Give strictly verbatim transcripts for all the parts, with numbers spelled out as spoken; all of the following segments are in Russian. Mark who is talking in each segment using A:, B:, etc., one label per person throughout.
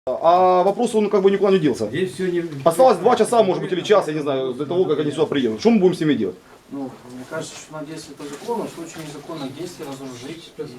A: А вопрос, он как бы никуда не делся.
B: Здесь все не...
A: Осталось два часа, может быть, или час, я не знаю, до того, как они сюда приедут. Что мы будем с ними делать?
C: Ну, мне кажется, что на действие по закону, в случае незаконных действий разоружить и,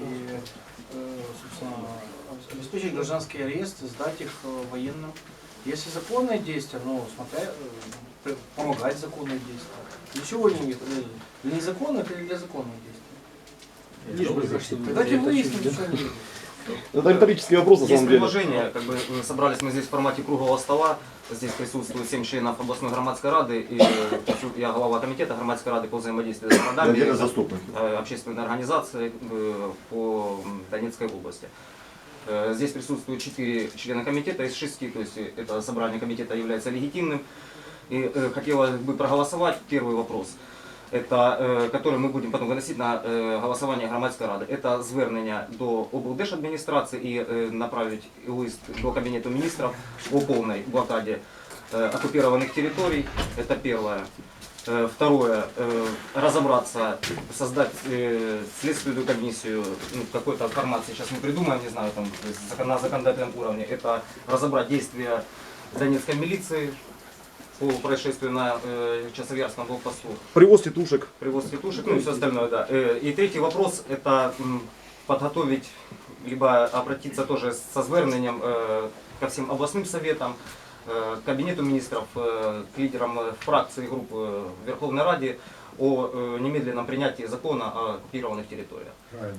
C: э, собственно, обеспечить гражданский арест, сдать их э, военным. Если законные действия, ну, смотря, э, помогать законные действия. Для чего они нет? Для незаконных или для законных действий?
B: Лишь бы защитить.
C: Тогда тем выясним, что они делают.
A: Это риторический вопрос, на
D: Есть
A: самом деле.
D: предложение, как бы собрались мы здесь в формате круглого стола, здесь присутствует семь членов областной громадской рады, и я глава комитета громадской рады по взаимодействию с городами, общественной организации по Донецкой области. Здесь присутствуют четыре члена комитета из шести, то есть это собрание комитета является легитимным. И хотелось бы проголосовать первый вопрос. Это, э, который мы будем потом выносить на э, голосування громадської ради. Это звернення до облдержадміністрації і э, направить лист до Кабинета министров о полной блокаде э, оккупированных территорий. Это первое. Э, второе. Э, разобраться, создать э, следственную комиссию, ну, какой-то формат сейчас мы придумаем, не знаю, там, на законодательном уровне. Это разобрать действия донецкой милиции по происшествию на э, Часовьярском блокпосту.
A: Привоз тетушек.
D: Привоз тетушек, ну и все остальное, да. Э, и третий вопрос, это м, подготовить, либо обратиться тоже со звернением э, ко всем областным советам, э, к Кабинету министров, э, к лидерам э, фракций и групп э, в Верховной Раде о э, немедленном принятии закона о оккупированных территориях.
B: Правильно.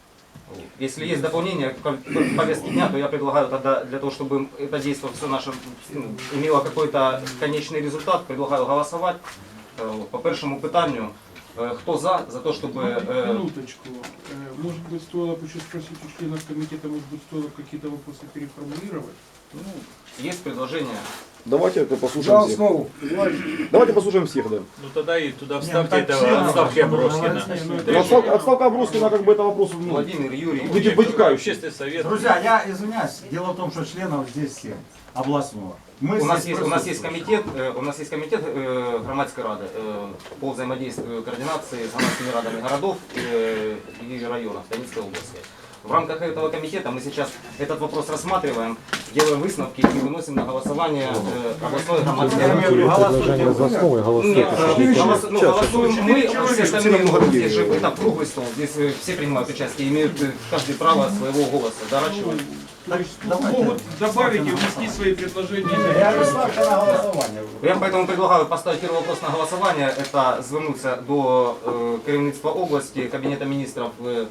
D: Если есть дополнение к повестке дня, то я предлагаю тогда, для того, чтобы это действие все наше ну, имело какой-то конечный результат, предлагаю голосовать э, по первому питанию. Э, кто за, за то, чтобы... Э,
E: Минуточку. Э, Может быть, стоило бы еще спросить у членов комитета, может быть, стоило какие-то вопросы переформулировать?
D: ну, есть предложение.
A: Давайте это послушаем
B: За
A: всех.
B: основу.
A: Давайте послушаем всех, да.
F: Ну тогда и туда вставьте этого отставки Аброскина.
A: Ну, отставка, отставка Аброскина, как бы это вопрос, ну,
D: Владимир, Юрий.
A: выти- вытекающий.
F: Общественный совет.
G: Друзья, я извиняюсь, дело в том, что членов здесь семь областного. Мы
D: У нас,
G: здесь
D: есть, у нас есть
G: присутствуем.
D: комитет, э, у нас есть комитет э, громадской рады э, по взаимодействию координации с громадскими радами городов э, и районов Донецкой области. В рамках этого комитета мы сейчас этот вопрос рассматриваем, делаем выставки и выносим на голосование э, областной громадской
G: Я
D: рады.
G: имею в виду, голосуйте.
D: Нет, э, голос- ну, голосуем мы, а все остальные
A: много
D: могут,
A: людей.
D: здесь же это круглый стол, здесь э, все принимают участие, имеют э, каждый право своего голоса. Да, Рачева?
E: То есть
G: давайте.
E: могут добавить и внести свои предложения.
G: Я говорю, ставьте на голосование.
D: Я поэтому предлагаю поставить первый вопрос на голосование. Это звернуться до э, керівництва области, Кабинета министров э,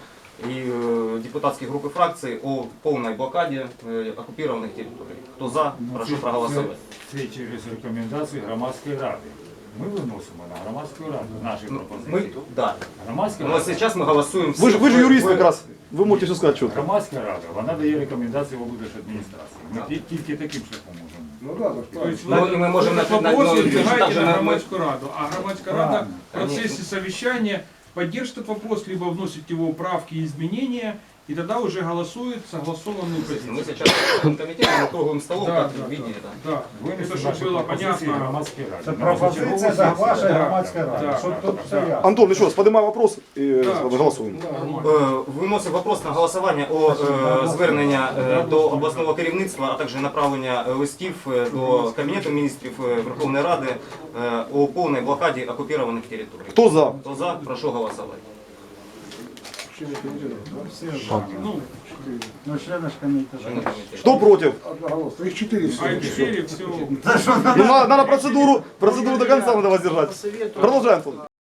D: и э, депутатских групп и фракций о полной блокаде э, оккупированных территорий. Кто за, прошу проголосовать.
H: Це через рекомендації громадської ради. Ми виносимо на громадську раду наші
D: Ну,
H: пропозиції.
D: Мы, да.
H: Громадська
D: Но
H: рада,
D: сейчас мы голосуем.
A: Вы же, вы же
D: все-
A: юрист
D: вы-
A: как раз. Вы можете все сказать четко.
H: громадська рада, вона дає рекомендації в облдержадміністрації. Ми ті- тільки таким шляхом можемо.
B: Ну да, так
E: То есть
D: Ну,
E: вы
D: и мы можем
E: этот
D: начать-
E: вопрос
D: ну,
E: выдвигаете
D: также
E: на
D: мы-
E: громадскую раду, а громадская рада
H: Правильно.
E: в процессе совещания поддержит этот вопрос, либо вносит его правки и изменения, и тогда уже голосует согласованную
D: Мы
E: позицию.
D: сейчас в комитете мы круглым столом,
E: Да,
D: как
E: да,
D: вы видели. Да.
E: Да, это
H: Винесемо
E: чтобы
H: наші
E: было
H: пропозиції
E: понятно.
H: громадській раді.
G: Це
H: На
G: пропозиція
H: чергову
G: за
H: сесію.
G: вашої
E: Да,
G: громадської ради.
E: да,
G: Щоб
E: да,
G: тут все
E: да.
G: ясно.
A: Антон, еще раз, поднимай вопрос и
E: Да.
A: э, голосуем.
D: Е, Виносив вопрос на голосування о е, звернення е, до обласного керівництва, а також направлення е, листів е, до Кабінету міністрів е, Верховної Ради е, о повній блокаді окупованих територій.
A: Кто за?
D: Хто за, прошу голосувати.
E: Ну,
G: Ну, члены ж комитета.
D: Члени комітету.
A: Кто против?
B: одноголосно. Их четыре
E: а
B: всего.
E: четыре все.
A: Ну, надо, надо процедуру, процедуру до конца надо воздержать.
C: По совету.
A: Продолжаем.